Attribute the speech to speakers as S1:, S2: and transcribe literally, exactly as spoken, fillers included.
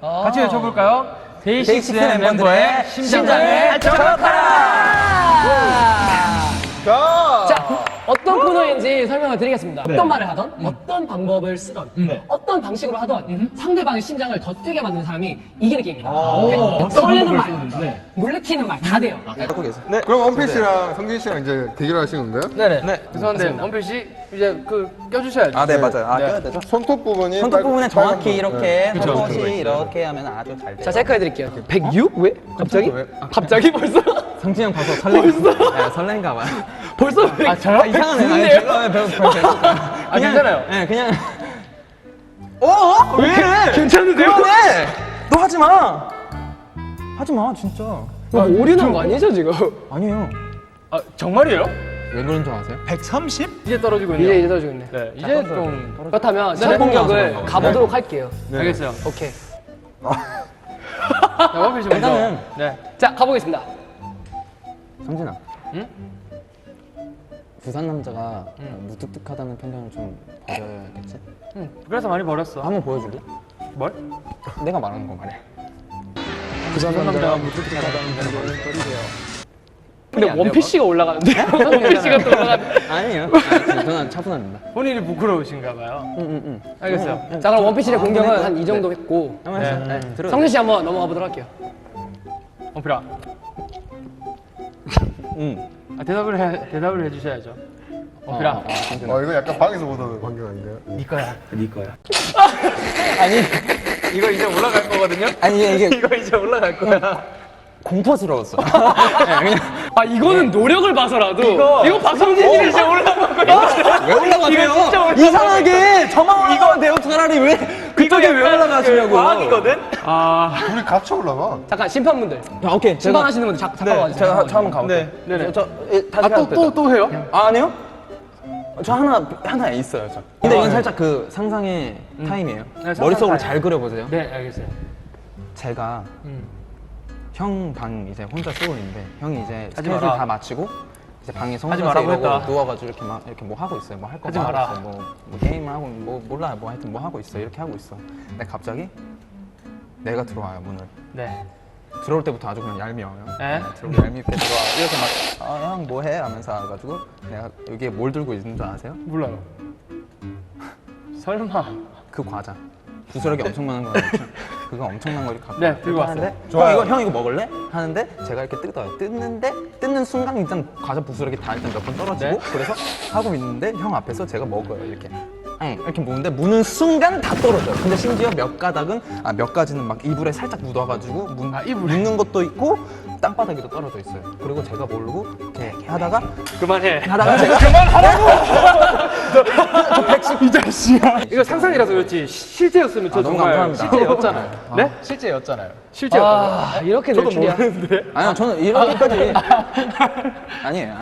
S1: 아 같이 외쳐볼까요? 데이식스
S2: 데이식스
S1: 멤버의 심장을 정확하라!
S3: 자, 어떤 코너인지 설명을 드리겠습니다.
S1: 네.
S3: 어떤 말을 하던, 음. 어떤 방법을 쓰던, 네. 어떤 방식으로 하던 음. 상대방의 심장을 더 뛰게 만드는 사람이 이기는 게임입니다. 네. 떨리는 말, 네. 놀래키는 말 다 돼요.
S2: 갖고 계세요.
S4: 네. 그럼 원필 씨랑 성진 씨랑 이제 대결하시는 건가요?
S1: 네네. 네. 죄송한데 원필 씨 이제 그 껴주셔야죠.
S2: 아, 네, 맞아요. 아,
S1: 네.
S2: 껴야 되죠.
S4: 손톱 부분이
S2: 손톱
S4: 빨-
S2: 부분에
S4: 빨간
S2: 정확히
S4: 거.
S2: 이렇게
S4: 네.
S2: 한
S1: 그쵸,
S2: 곳이
S1: 그쵸.
S2: 이렇게 하면 아주 잘 돼요.
S3: 자, 체크해 드릴게요. 백육? 왜? 갑자기? 갑자기 벌써?
S2: 성진이 형 봐서 설레. 네, 설렌가 봐요.
S3: 벌써?
S1: 아 저요?
S2: 이상하네. 아니,
S3: 좋은데요?
S2: 제가 왜 배우 배우 배우.
S1: 아 괜찮아요.
S2: 네, 그냥. 어? 왜?
S1: 괜찮은데요?
S2: 그만해! 너 하지 마. 하지 마, 진짜.
S3: 뭐 오류난 거 아니죠, 지금?
S2: 아니에요.
S1: 아 정말이에요?
S2: 왜 그런 줄 아세요?
S1: 백삼십? 이제 떨어지고 있네요.
S3: 이제 이제 떨어지고 있네.
S1: 네, 이제 좀
S3: 그렇다면
S2: 네,
S3: 첫 공격을
S2: 네.
S3: 가보도록 할게요.
S1: 알겠어요.
S3: 오케이.
S1: 자, 원필 씨 먼저.
S2: 일단은-
S1: 네.
S3: 자, 가보겠습니다.
S2: 성진아.
S1: 응?
S2: 부산 남자가 무뚝뚝하다는 편견을 좀 버려야겠지?
S1: 응. 그래서 많이 버렸어.
S2: 한번 보여줄래?
S1: 뭘?
S2: 내가 말하는 거 말이야.
S1: 부산 남자가 무뚝뚝하다는 편견을 버리세요.
S3: 근데
S2: 안
S3: 원필
S2: 돼요,
S3: 씨가 올라가는데? 원필 씨가 또 올라가는데?
S2: 아니에요. 아니, 저는 차분합니다.
S1: 본인이 부끄러우신가 봐요.
S2: 응응응. 음,
S1: 알겠어요.
S3: 자, 그럼 원필 씨의
S2: 아,
S3: 공격은
S2: 그러니까.
S3: 한 이 정도
S2: 네.
S3: 했고
S2: 한번
S1: 네.
S2: 해서. 네. 들어.
S3: 성준 씨 한번 넘어가 보도록 할게요.
S1: 원필아.
S2: 응.
S1: 아, 대답을 해 대답을 해주셔야죠. 원필아.
S2: 어, 어, 성진아.
S4: 어 이거 약간 방에서 보던 광경 아닌가요?
S1: 네 거야. 네 거야.
S2: 아니
S1: 이거 이제 올라갈 거거든요.
S2: 아니 이게
S1: 이거 이제 올라갈 거야.
S2: 공포스러웠어. 네, 그냥
S3: 아, 이거는 노력을 봐서라도
S1: 이거-
S3: 이거 박성진 씨가 이제 올라간 거야.
S2: 왜 올라가세요?
S1: 이거 진짜 올라가요.
S2: 이상하게 저만 올라가면 돼요. 차라리 왜 그쪽에 왜 올라가시냐고.
S1: 과학이거든. 아.
S4: 둘이 같이 올라가.
S3: 잠깐, 심판분들.
S2: 야, 오케이. 제가
S3: 심판하시는 분들 잠- 잠깐 와주세요.
S2: 제가 저 한번 가볼게요.
S1: 네. 네네.
S2: 저, 저 예, 다시
S1: 아 또 또 또 해요?
S2: 아, 아니요? 저 하나 하나 있어요. 저. 근데 이건 살짝 그 상상의 타임이에요.
S1: 네, 상상
S2: 머릿속으로
S1: 타임.
S2: 잘 그려보세요.
S1: 네 알겠어요.
S2: 제가
S1: 음.
S2: 형 방 이제 혼자 쓰고 있는데 형이 이제
S1: 하지
S2: 스케줄
S1: 마라.
S2: 다 마치고 이제 방에서
S1: 하지
S2: 혼자서
S1: 말라고
S2: 이러고
S1: 했다.
S2: 누워가지고 이렇게 막 이렇게 뭐 하고 있어요. 뭐 할 거
S1: 하지
S2: 뭐 하고
S1: 마라.
S2: 있어요. 뭐, 뭐 게임을 하고 뭐 몰라요. 뭐 하여튼 뭐 하고 있어. 이렇게 하고 있어. 근데 갑자기 내가 들어와요 문을.
S1: 네.
S2: 들어올 때부터 아주 그냥 얄미워요.
S1: 네?
S2: 들어올 때 얄밉게 들어와. 이렇게 막 아, 형 뭐해? 하면서 와가지고 내가 여기에 뭘 들고 있는 줄 아세요?
S1: 몰라요. 설마.
S2: 그 과자. 부스러기 엄청 많은 거 알죠? 그거 엄청난 걸 갖고
S1: 네, 들고
S2: 하는데
S1: 왔어요.
S2: 형 이거 형 이거 먹을래? 하는데 제가 이렇게 뜯어요. 뜯는데 뜯는 순간 일단 과자 부스러기 다 일단 몇 번 떨어지고
S1: 네.
S2: 그래서 하고 있는데 형 앞에서 제가 먹어요 이렇게. 응, 이렇게 먹는데 무는 순간 다 떨어져요. 근데 심지어 몇 가닥은 아 몇 가지는 막 이불에 살짝 묻어가지고 문,
S1: 아, 이불에?
S2: 묻는 것도 있고 땅바닥에도 떨어져 있어요. 그리고 제가 모르고 이렇게 하다가
S1: 그만해.
S2: 하다가 제가
S1: 이 자식아. 이거 상상이라서 그렇지 실제였으면 저
S2: 아, 너무
S1: 정말
S2: 감사합니다.
S1: 실제였잖아요. 네? 실제였잖아요. 실제였다고.
S3: 아, 이렇게 될 줄이야.
S1: 모르는데.
S2: 아니요 저는 이렇게까지 아니에요.